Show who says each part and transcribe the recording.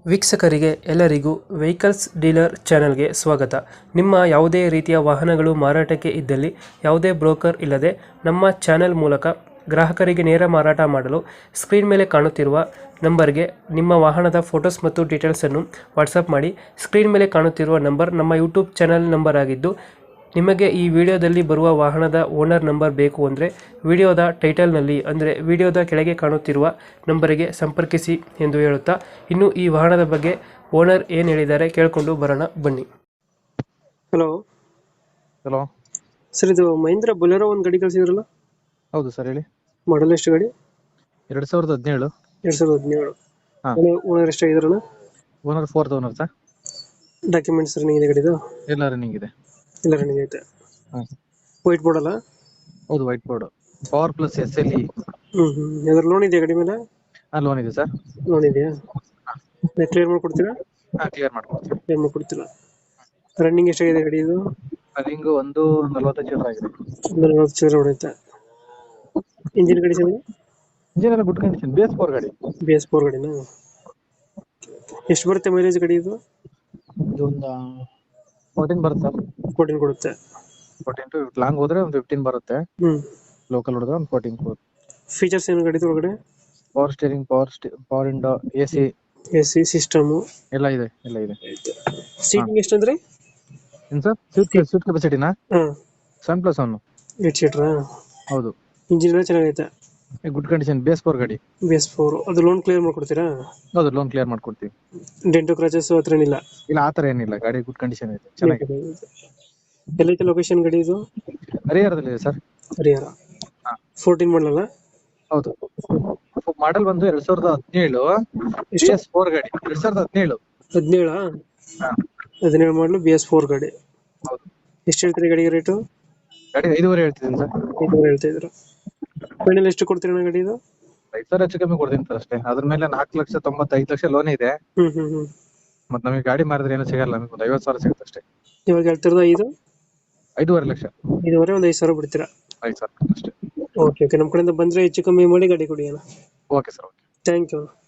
Speaker 1: ವೀಕ್ಷಕರಿಗೆ ಎಲ್ಲರಿಗೂ vehicles dealer ಚಾನೆಲ್ಗೆ ಸ್ವಾಗತ. ನಿಮ್ಮ ಯಾವುದೇ ರೀತಿಯ ವಾಹನಗಳು ಮಾರಾಟಕ್ಕೆ ಇದ್ದಲ್ಲಿ ಯಾವುದೇ ಬ್ರೋಕರ್ ಇಲ್ಲದೆ ನಮ್ಮ ಚಾನೆಲ್ ಮೂಲಕ ಗ್ರಾಹಕರಿಗೆ ನೇರ ಮಾರಾಟ ಮಾಡಲು ಸ್ಕ್ರೀನ್ ಮೇಲೆ ಕಾಣುತ್ತಿರುವ ನಂಬರ್ಗೆ ನಿಮ್ಮ ವಾಹನದ ಫೋಟೋಸ್ ಮತ್ತು ಡೀಟೇಲ್ಸನ್ನು ವಾಟ್ಸಪ್ ಮಾಡಿ. ಸ್ಕ್ರೀನ್ ಮೇಲೆ ಕಾಣುತ್ತಿರುವ ನಂಬರ್ ನಮ್ಮ ಯೂಟ್ಯೂಬ್ ಚಾನೆಲ್ ನಂಬರ್ ಆಗಿದ್ದು, ನಿಮಗೆ ಈ ವಿಡಿಯೋದಲ್ಲಿ ಬರುವ ವಾಹನದ ಓನರ್ ನಂಬರ್ ಬೇಕು ಅಂದರೆ ವಿಡಿಯೋದ ಟೈಟಲ್ನಲ್ಲಿ ಅಂದರೆ ವಿಡಿಯೋದ ಕೆಳಗೆ ಕಾಣುತ್ತಿರುವ ನಂಬರಿಗೆ ಸಂಪರ್ಕಿಸಿ ಎಂದು ಹೇಳುತ್ತಾ, ಇನ್ನು ಈ ವಾಹನದ ಬಗ್ಗೆ ಓನರ್ ಏನು ಹೇಳಿದ್ದಾರೆ ಕೇಳಿಕೊಂಡು ಬರೋಣ ಬನ್ನಿ. ಹಲೋ
Speaker 2: ಹಲೋ
Speaker 1: ಸರ್, ಇದು ಮಹೀಂದ್ರ ಬೊಲೆರೋ ಒಂದು ಗಾಡಿ ಕಳಿಸಿದ್ರಲ್ಲ,
Speaker 2: ಹೌದು ಸರ್, ಹೇಳಿ.
Speaker 1: ಮಾಡಲ್ ಎಷ್ಟು ಗಾಡಿ?
Speaker 2: 2017.
Speaker 1: 2017.
Speaker 2: ಹಾ.
Speaker 1: ಓನರ್ ಎಷ್ಟಾಗಿದ್ರಣ?
Speaker 2: Owner 4th owner sir.
Speaker 1: Documents running ಇದೆ ಗಾಡಿದು?
Speaker 2: ಎಲ್ಲ ರನ್ನಿಂಗ್ ಇದೆ.
Speaker 1: ಎಲ್ಲ ರನ್ನಿಂಗ್ ಐತೆ.
Speaker 2: ಹ್ಮ್.
Speaker 1: ವೈಟ್ ಬೋರ್ಡ್ ಅಲ್ಲ?
Speaker 2: ಹೌದು, white board. Power plus SLE.
Speaker 1: ಯಾವ್ದಾರ ಲೋನ್ ಇದೆಯಾ ಗಾಡಿ ಮೇಲೆ?
Speaker 2: ಲೋನ್ ಇದೆ ಸರ್.
Speaker 1: ಲೋನ್ ಇದೆಯಾ? ಕ್ಲಿಯರ್ ಮಾಡ್ಕೊಡ್ತೀರಾ?
Speaker 2: ಕ್ಲಿಯರ್ ಮಾಡ್ಕೊಡ್ತೀವಿ.
Speaker 1: ಕ್ಲಿಯರ್ ಮಾಡ್ಕೊಡ್ತೀರಾ? ರನ್ನಿಂಗ್ ಎಷ್ಟಾಗಿದೆ ಗಾಡಿ ಇದು?
Speaker 2: ರನ್ನಿಂಗ್ 1:45 ಆಗಿದೆ.
Speaker 1: 40 ಚಿಲ್ಲರೆ ಹೊಡೆಯುತ್ತೆ. Engine condition?
Speaker 2: ಇಂಜಿನ್ ಎಲ್ಲ ಗುಡ್ ಕಂಡೀಷನ್. BS4 ಗಾಡಿ.
Speaker 1: BS4 ಗಾಡಿನಾ? ಎಷ್ಟು ಬರುತ್ತೆ ಮೈಲೇಜ್ ಗಾಡಿ ಇದು?
Speaker 2: ಇದು ಒಂದು 14 ಬರುತ್ತೆ ಸರ್.
Speaker 1: 14 ಕೊಡುತ್ತೆ.
Speaker 2: 14 ಟು ಲಾಂಗ್ ಹೋದ್ರೆ ಒಂದು 15 ಬರುತ್ತೆ. ಲೋಕಲ್ ಹೊಡೆದ್ರೆ ಒಂದು 14 ಕೊಡುತ್ತೆ.
Speaker 1: ಫೀಚರ್ಸ್ ಏನು ಗಾಡಿ ಒಳಗಡೆ?
Speaker 2: Power steering, power window, AC
Speaker 1: system
Speaker 2: ಎಲ್ಲ ಇದೆ.
Speaker 1: ಸೀಟಿಂಗ್ ಎಷ್ಟಂದ್ರೆ?
Speaker 2: ಏನ್ ಸರ್? ಸೀಟ್ ಕೆಪಾಸಿಟಿನಾ? 7+1.
Speaker 1: 8 ಸೀಟರಾ?
Speaker 2: ಹೌದು.
Speaker 1: ಇಂಜಿನ್ ಎಲ್ಲ ಚೆನ್ನಾಗೈತೆ.
Speaker 2: Good condition. BS4 ಗಾಡಿ.
Speaker 1: BS4 ಅದು ಲೋನ್ ಕ್ಲಿಯರ್ ಮಾಡ್ಕೊಡ್ತೀರಾ?
Speaker 2: ಹೌದು, ಲೋನ್ ಕ್ಲಿಯರ್ ಮಾಡ್ಕೊಡ್ತೀವಿ.
Speaker 1: ಡೆಂಟು ಕ್ರಾಚಸ್ ಹತ್ರ ಏನಿಲ್ಲ?
Speaker 2: ಇಲ್ಲ, ಆತರ ಏನಿಲ್ಲ. ಗಾಡಿ ಗುಡ್ ಕಂಡೀಷನ್ ಇದೆ, ಚೆನ್ನಾಗಿದೆ.
Speaker 1: ಎಲ್ಲೈತೆ ಲೊಕೇಶನ್ ಗಾಡಿ ಇದು?
Speaker 2: ಹರಿಹರದಲ್ಲಿದೆ ಸರ್.
Speaker 1: ಹರಿಹರ. 14 ಮಾಡಲಲ್ಲ?
Speaker 2: ಹೌದು. ಮಾಡೆಲ್ ಬಂದು 2017. BS4 ಗಾಡಿ 2017.
Speaker 1: 17? 17 ಮಾಡಲು BS4 ಗಾಡಿ.
Speaker 2: ಹೌದು.
Speaker 1: ಎಷ್ಟು ಹೇಳ್ತೀರಿ ಗಾಡಿಗೆ ರೇಟು?
Speaker 2: ಗಾಡಿ 5.5 ಹೇಳ್ತಿದ್ದೀನಿ ಸರ್.
Speaker 1: 5.5 ಹೇಳ್ತಾ ಇದ್ರು. ಫೈನಲ್ ಎಷ್ಟು ಕೊಡ್ತೀರಾ ಗಾಡಿ ಇದು?
Speaker 2: 5,000 ಹೆಚ್ಚು ಕಮ್ಮಿ ಕೊಡ್ತೀನಿ ಸರ್ ಅಷ್ಟೇ. ಅದ್ರ ಮೇಲೆ 4,95,00,000 ಲೋನ್ ಇದೆ. ಮತ್ತೆ ನಮಗೆ ಗಾಡಿ ಮಾರಿದ್ರೆ ಏನು ಸಿಗಲ್ಲ. ನಮಗೆ ಒಂದು 50,000 ಸಿಗುತ್ತೆ ಅಷ್ಟೇ.
Speaker 1: ಇವಾಗ ಹೇಳ್ತಿರೋದು
Speaker 2: 5.5 ಲಕ್ಷ.
Speaker 1: 5.5 ಒಂದು 5,000 ಬಿಡ್ತೀರಾ?
Speaker 2: 5,000 ಅಷ್ಟೇ.
Speaker 1: ಓಕೆ, ನಮ್ಮ ಕಡೆಯಿಂದ ಬಂದರೆ ಹೆಚ್ಚು ಕಮ್ಮಿ ಮಾಡಿ ಗಾಡಿ ಕೊಡಿ ಅಣ್ಣ.
Speaker 2: Okay sir.
Speaker 1: Thank you.